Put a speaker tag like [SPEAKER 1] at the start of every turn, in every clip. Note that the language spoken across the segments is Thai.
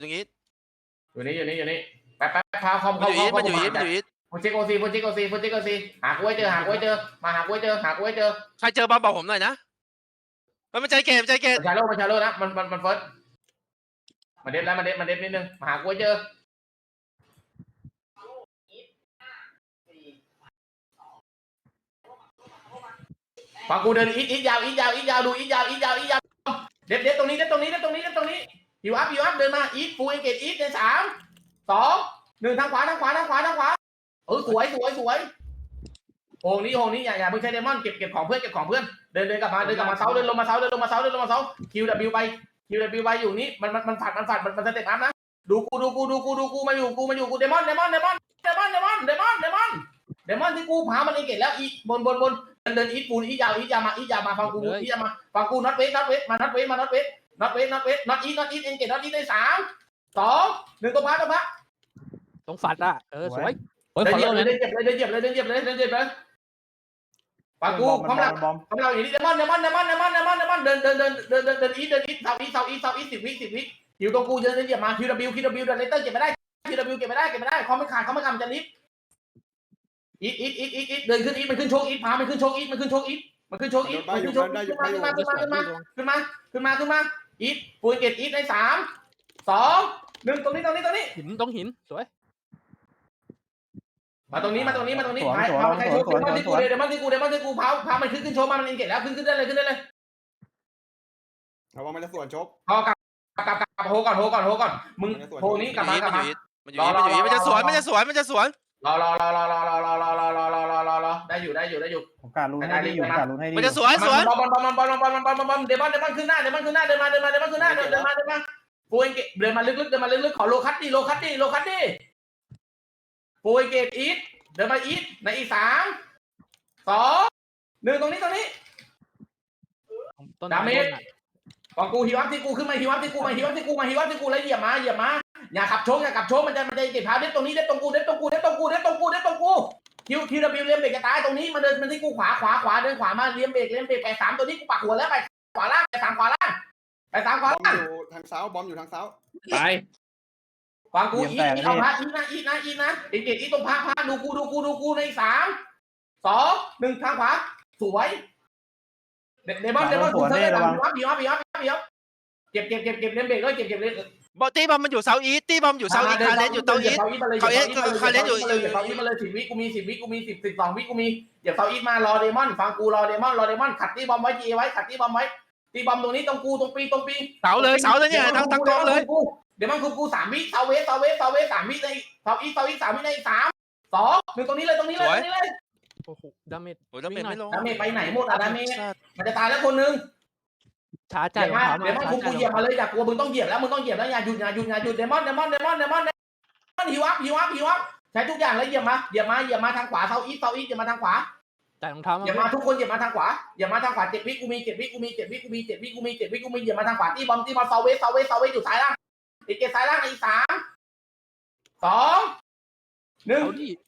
[SPEAKER 1] อย่างงี้
[SPEAKER 2] อยู่นี่แป๊บพาคอม
[SPEAKER 1] มันอยู่อีทมันอยู่อีท
[SPEAKER 2] โปรเจกต์โอซีหากูให้เจอมาหากูให้เจอ
[SPEAKER 1] ใครเจอบอมบอกผมหน่อยนะมันใจเกม
[SPEAKER 2] มันชาโลนะมันเฟิร์สมาเด็ดนิดนึงมาหากูให้เจอฟังกูเดินอีทยาวดูอีทยาวเด็ดตรงนี้ฮิวอัพเดินมาอีทฟูเอเกตอีทใน3 2 1ทางขวาสวยโอ่งนี้อย่าเพิ่งใช้เดมอนเก็บของเพื่อนเดินกลับมาเซาเดินลงมาเซาคิวไปอยู่นี่มันฝัดมันสเต็ปอัพนะดูกูมาอยู่กูเดมอนที่กูพามันเอเกตแล้วอีบนเดินอีทปูนอียาวมาฟังกูน็อตเวสมาน็อตเวสน็อตอีทเอ็นเกตน็อตอีทได้3 2 1ตัวพัด
[SPEAKER 3] ต้องฝัดอ่ะสวย
[SPEAKER 2] เดินเหยียบเลยปากูพร้อมเราอย่างนี้เดมอนเดินอีทเซาอีท10 วิอยู่ตรงกูเดินเหยียบมาคิวดับเดินเลเตอร์เก็บไม่ได้เขาไม่ขาดมันจะลิฟอีทเดินขึ้นอีทมันขึ้นโชกอีทพามันขึ้นโชกอีทขึ้นมาอีทฟูเกตอีทใน3 2 1ตรงนี้
[SPEAKER 3] หินต้องหินสวย
[SPEAKER 2] มาตรงนี้พาใครโชว์เดมอนที่กูพามันขึ้นโชว์มามันเองเก็บแล้วขึ้นได้เลย
[SPEAKER 4] เอาว่ามันจะส่วนชก
[SPEAKER 2] พอกลับโฮก่อนมึงโฮนี้กลับมา
[SPEAKER 1] มันอยู่อีทมันจะสวน
[SPEAKER 2] รอได้อยู่
[SPEAKER 5] ผมการลุ้นให้ดีอยู่
[SPEAKER 1] มันจะสวน
[SPEAKER 2] บอลเดมอนขึ้นหน้าเดินมาฟูเองเก็บเดินมาลึกขอโลคัตดิฟูเองเก็บอีทเดินมาอีทในอีก3 2 1ตรงนี้ดาเมจของกูฮิวอัพที่กูขึ้นมาฮิวอัพที่กูแล้วเหยียบมาอย่าขับโชกมันจะเก็บพาเด็ดตรงนี้ตรงกูคิวดับเบิลเลี้ยงเบรกจะตายตรงนี้มันเดินมันที่กูขวาเดินขวามาเลี้ยงเบรกไป3ตัวนี้กูปักหัวแล้วไปขวาล่างไป3ขวาล่าง
[SPEAKER 4] อยู่ทางเสาบอมอยู่ทางเสา
[SPEAKER 1] ไป
[SPEAKER 2] ฟังกูอีเอาพาอีนะเด็กอีตรงพาดูกูใน3 2 1ทางขวาสวยเดมอนกูเธอเลยฮิวอัพเก็บเลี้ยงเบรกเลยเก็บเลย
[SPEAKER 1] ตีบอมมันอยู่เซาอีทคาเลนอยู่เตาอีทคาเลนอยู่
[SPEAKER 2] เหยียบเซาอีทมาเลย10 วิกูมี10 วิกูมี12 วิกูมีเหยียบเซาอีทมารอเดมอนฟังกูรอเดมอนขัดตีบอมไว้ขัดตีบอมไว้ตีบอมตรงนี้ตรงปี
[SPEAKER 1] เสาเลยเนี่ยทั้งกองเลย
[SPEAKER 2] เดมอนกู3 วิเซาเวส3 วิในเซาอีท3 วิใน3 2 1ตรงนี้เลย
[SPEAKER 3] โอ้โหดาเมจ
[SPEAKER 1] ไม่ลง
[SPEAKER 2] ดาเมจไปไหนหมดดาเมจมันจะตายแล้วคนนึง
[SPEAKER 3] ช้าใจ
[SPEAKER 2] เดมอนกูเหยียบมาเลยอย่ากลัวมึงต้องเหยียบแล้วอย่าหยุดเดมอนฮิวอัพใช้ทุกอย่างเลยเหยียบมาทางขวาเซาอีทอย่ามาทางขวา
[SPEAKER 3] แต่รองเท้า
[SPEAKER 2] อย่ามาทุกคนอย่ามาทางขวา7 วิกูมี7 วิกูมีเหยียบมาทางขวาตีบอมเซาเวสอยู่ซ้ายล่างอีกเกตซ้ายล่างอีก3 2 1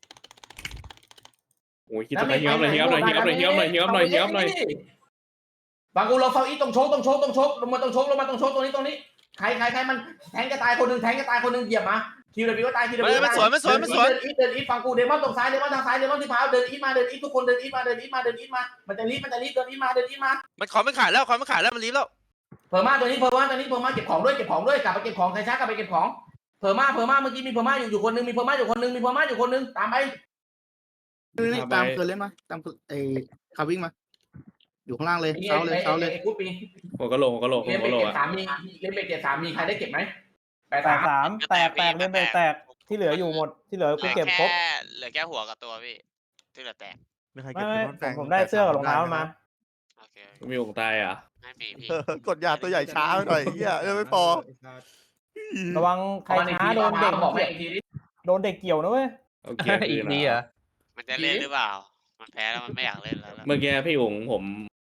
[SPEAKER 6] โอ้ยคิดจะไปเฮี้ยมหน่อย
[SPEAKER 2] บางกูเราเซาอีตรงโชกลงมาตรงโชกตรงนี้ใครมันแทงจะตายคนนึงเหยียบมาคิวเดบิวตาย
[SPEAKER 1] มันสวน
[SPEAKER 2] เดินอีทฟังกูเดมอนตรงซ้ายเดมอนทางซ้ายเดมอนที่พาวเดินอีทมาทุกคนเดินอีทมามันจะรีบเดินอีทมา
[SPEAKER 1] มันขอไม่ขาดแล้วมันรีบแล้ว
[SPEAKER 2] เพิ่มมาตัวนี้เก็บของด้วยกลับไปเก็บของใครช้ากลับไปเก็บของเพิ่มมาเมื่อกี้มีเพิ่มมาอยู่คนนึงมีเพิ่มมาอยู่คนนึงตามไป
[SPEAKER 7] ตามเกินเล่นมาตามไอ้คาวิ่งมาอยู่ข้างล่างเลยเช้าเลย
[SPEAKER 6] หัวกะโหลก
[SPEAKER 2] เล่นเบรกเก็บ3มีใครได้เก็บไหม
[SPEAKER 5] แตกเล่นแตกที่เหลืออยู่หมดที่เหลือกูเก็บครบ
[SPEAKER 8] เหลือแค่หัวกับตัวพี่ที่เหลือแตก
[SPEAKER 5] ไม่ผมได้เสื้อกับรองเท้ามา
[SPEAKER 6] มีวงตายอ่ะ
[SPEAKER 8] ไม่มีพี่
[SPEAKER 7] กดยาตัวใหญ่ช้าหน่อยเหี้ยไม่พอ
[SPEAKER 5] ระวังใครช้าโดนเด็กเกี่ยวนะเว้ย
[SPEAKER 6] โอเค
[SPEAKER 3] อีกทีอ่ะ
[SPEAKER 8] มันจะเล่นหรือเปล่ามันแพ้แล้วมันไม่อยากเล่นแล้ว
[SPEAKER 6] เมื่อกี้พี่อุ๋งผม